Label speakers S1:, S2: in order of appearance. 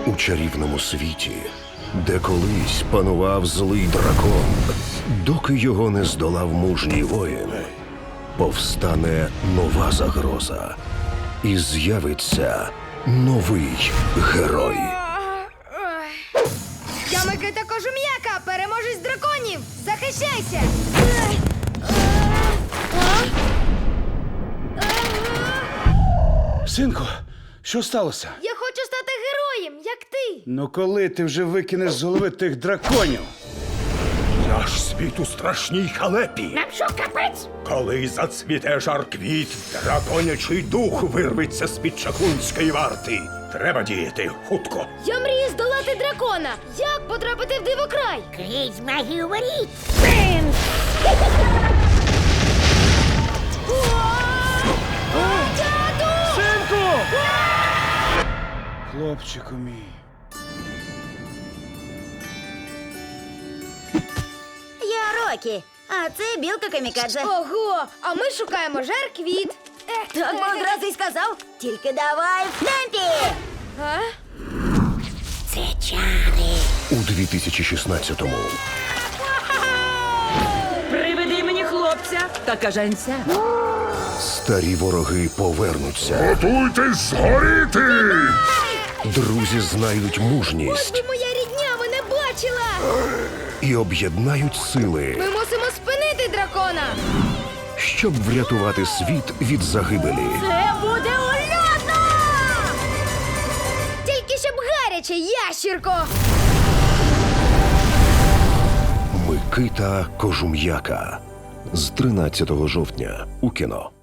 S1: У чарівному світі, де колись панував злий дракон, доки його не здолав мужній воїн, повстане нова загроза. І з'явиться новий герой.
S2: Я Микита Кожум'яка, переможець драконів! Захищайся!
S3: Синку, що сталося?
S2: Я хочу стати героєм, як ти!
S3: Ну коли ти вже викинеш з голови тих драконів?
S4: Наш світ у страшній халепі.
S5: Нам що, капець?
S4: Коли зацвіте жар квіт, драконячий дух вирветься з-під чаклунської варти. Треба діяти хутко.
S2: Я мрію здолати дракона! Як потрапити в дивокрай?
S5: Крізь магію воріт! Принц!
S2: Тату!
S3: Синку! Хлопчику мій.
S6: Я Рокі, а це білка камікадзе.
S2: Ого! А ми шукаємо жар квіт.
S6: Так би одразу й сказав. Тільки давай в темпі!
S2: А?
S5: Це чари!
S1: У 2016-му
S7: Приведи мені хлопця та кажанця.
S1: старі вороги повернуться.
S4: Готуйтесь згоріти!
S1: Друзі знайдуть
S2: Ось
S1: мужність
S2: би моя рідня мене бачила!
S1: і об'єднають сили,
S2: Ми мусимо спинити дракона!
S1: щоб врятувати світ від загибелі.
S2: Це буде ульотно! Тільки щоб гаряче, ящірко!
S1: Микита Кожум'яка з 13 жовтня у кіно.